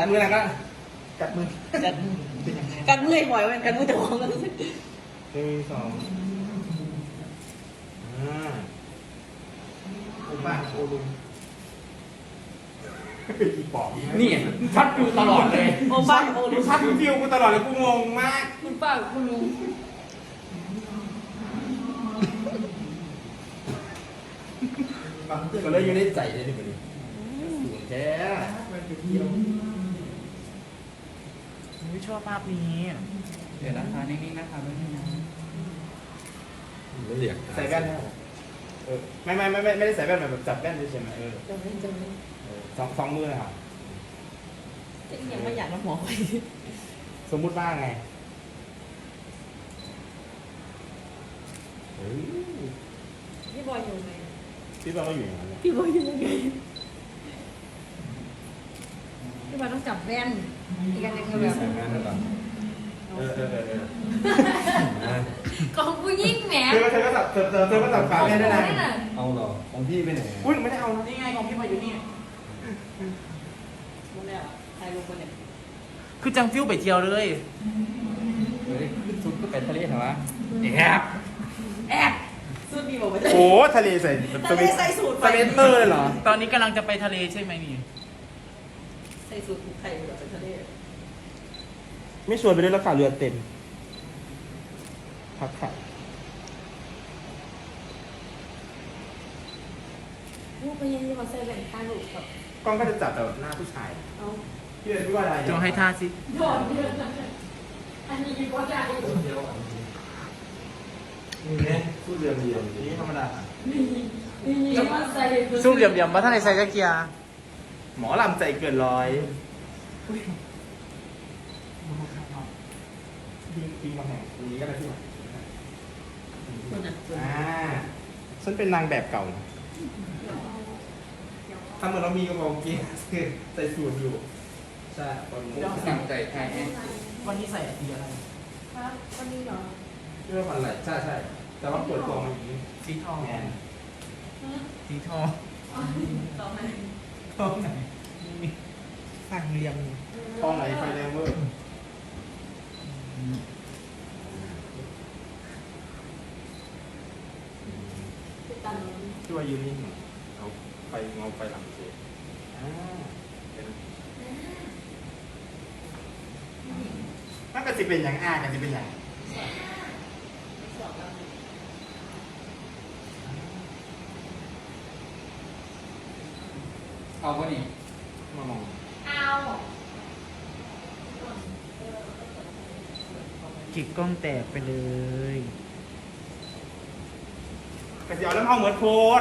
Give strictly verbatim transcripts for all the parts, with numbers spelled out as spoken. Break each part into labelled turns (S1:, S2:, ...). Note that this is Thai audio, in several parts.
S1: มือนะก็กัดมือ
S2: กันกันมือหอยมันกันมือจะมองกัน
S1: หนึ่งสองอ่าโอ้บ้าโอ้ลุงอีปอบนี่ชัดอยู่ตลอดเลย
S2: โอ้บ้าโอ้ลุง
S1: ชัดอยู่ฟิวกูตลอดเลยกูงงมาก
S2: คุณป้าคุณลุง
S1: ก็เลยอยู่ในใจเลยที่มันสูงแท้ไม่ชอบภาพนี้
S2: เดี๋ยวนะคะนิ่งๆนะคะไม่นิ่งนะ
S3: ไม่เรียก
S1: ใส่แว่นเออไม่ไม่ไม่ไม่ไม่ได้ใส่แว่นแบบจับแว่นใช่ไหมเออ
S2: จะไม่จะไม่
S1: สองสองมือเลยครับ
S2: จะยังไม่อยากมาหมอไป
S1: สมมุติว่าไงเฮ้ย
S2: พี่บอยอยู่ไหม
S1: พี่บอลก็อยู่อย่างนั้นเลย
S2: พี่บอยอยู่ยังไงพี่บอยต้องจับแว่นอีกอันหนึงก็แบบ
S3: ใส่แว่นหรือเปล่า
S1: เออเออเออเออ
S4: ของผู้ยิ่งแหม
S1: เธอก็เธอก็สับเธอเธอเธอก็สับปากแม่ได้นะ
S3: เอาเหรอของพี่ไปไหน
S1: อุ้ยไม่ได้เอานะ
S2: นี่ไงของพี่บอยอยู่นี่รู้แล้วใครรู้คนเนี่ย
S5: คือจังฟิวไปเที่ยวเลย
S3: เฮ้ยชุดก็ไปทะเลเหรอวะ
S1: แอบ
S2: แอบสุดดีบอกว่าจะ
S1: โอ้ทะเลใส่
S2: ทะเลใส่สูตร
S1: สเปนเตอร์เลยเหรอ
S5: ตอนนี้กำลังจะไปทะเลใช่ไหมนี่
S2: ใส่สูตรผูกไข่เหลือเป็นทะเล
S1: ไม่ชวนไปด้วยแล้วค่ะเรือเต็มพักค่ะ
S4: ลูกไปยังมาใส่แหวนตาหลุดกับ
S1: กล้องก็จะจับแต่หน้าผู้ชาย
S4: เอา
S1: พี่เป็นพี่ว่าอะไร
S5: จงให้ท่าสิ
S4: หยอดเยอะนะอันนี้ดีกว่าใหญ่
S3: นี่ไงพูดเรียมเรียม
S1: นี่ธรรมดา
S4: นี่มาใส่
S5: สู้เหลี่ยมๆว่าท่านในไซจักเกียร์
S1: หมอลำใจเกินร้อยปีปีมาแห่งปีนี้ก็ได้ที่ไหน
S2: คนน่ะ
S1: อ่าฉันเป็นนางแบบเก่านะทำเหมือนเรามีกระบอกกี้ใส่สูทอยู่ใช่ตอนนี้
S3: สั่งใจไทย
S5: วันนี้ใส่สีอะไร
S4: ครับวันนี้เหรอ
S1: เรื่องอะไรใช่ใช่แต่ว่าเปิดตัวมาอย่างนี้
S5: สีทอง
S1: แมน
S5: สีทอง
S4: ต่อไป
S5: ทองไหน
S1: สั่งเรียมทองไหนไฟแรงเวอร์
S4: ติดตาม
S1: ที่ว่ายืนนิ่งเอาไฟเงาไฟหลังเสียอ่าเป็นมันก็จะเป็นอย่างอ่ากันจะเป็นอย่าง
S3: เอาวะนี่
S1: มามอง
S4: เอา
S5: จิกกล้องแตกไปเลย
S1: กระเจียวแล้วเอาเหมือนโพด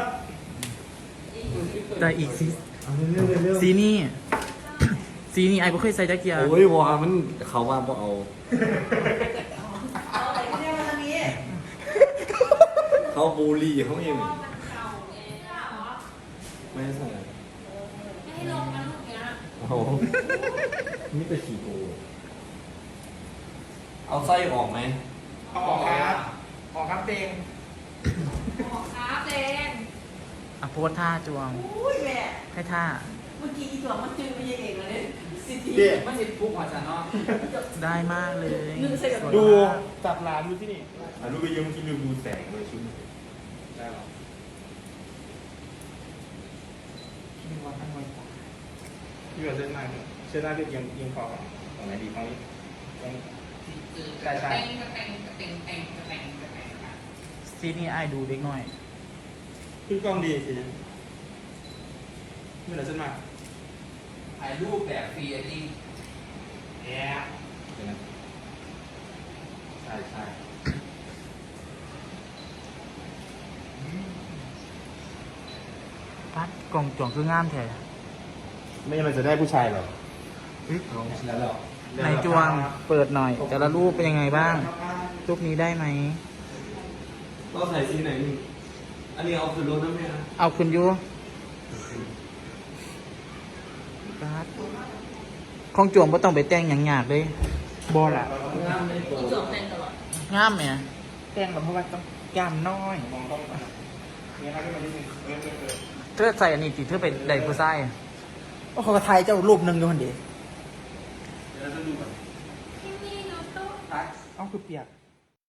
S5: แต่อีกสี
S3: เอาเร็วเร็ว
S5: สีนี่ สีนี่ไอ้บ่เคยใส่จักเกียร์
S3: โอ้ยวามันเขาว่าบ่เอา
S2: เอาอะไรไม่ได้มาทางนี้
S3: เขาบูลลี่เขาเอง
S4: มันเก่าไงเหรอ
S3: ไม่ใส่
S4: ไม่ให้ลงนะลูกเนี้ย
S3: โอ้นี่เป็นขี่โกเอาไส้ออกไหม
S1: เอาออกครับออกครับเตง
S4: ขอครับเอง
S5: อ่ะโพสท่าจวง
S2: อุ้ยแม่
S5: ให้ท่า
S2: เมื่อกี้อีตัวมันจึงไม่ยังเองเลยสิที
S1: เด็
S2: มันสิทุกหัวฉันเนาะ
S5: ได้มากเลย
S2: นึกใส่กับ
S1: ดูจับร้านดูที่นี่อ่ะดูไปยืมที่ดูดูแสงเลยชุดได้หรอพี่ว่าตั้งไว้พี่ว่าเส้นหน้าเส้นหน้าพี่ยังยังคอตรงไหนดีตรงนี้ตรงใช่ใช่
S4: เต็งกระเต็งกระเต็งเต็งกระเต็งกระเต็ง
S5: สีนี่ไอ้ดูเด็กหน่อย
S1: คือกล้องดีสิไม่เหลือเส้นมาก
S3: ถ่ายรูปแบบฟรีอันนี้
S1: แย่ใช่ใช่
S5: ปัดกล่องจวงคืองามแท้
S1: ไม่มันจะได้ผู้ชายหรอ
S3: เอาแล้วเหรอ
S5: ในจวงเปิดหน่อย แต่ละรูปเป็นยังไงบ้าง รูปนี้ได้ไหม
S3: เราใส่สีไหนนี่อันนี้เอาคือรถน้ำเนี่ย
S5: เอาคุณยูปัดของจวงไม่ต้องไปแต่งอย่างยากเลยบอละ
S3: งามไม่โต
S2: อีตัวแทนตลอด
S5: งามเนี่ยแต่งแบบเพราะว่าต้องกล้ามน้อย
S1: มองต้องเนี่ยครับที่มันนิดนึงเออเออเออ
S5: เธอใส่อันนี้ติเธอไปได้ผู้ชาย
S6: โอ้เขาก็ถ่ายเจ้ารูปหนึ่งอยู่คนเดียว
S3: แล้วจะดูก่อน
S4: ที่มีโนโต้
S3: ทัก
S1: เอ้าคือเปียก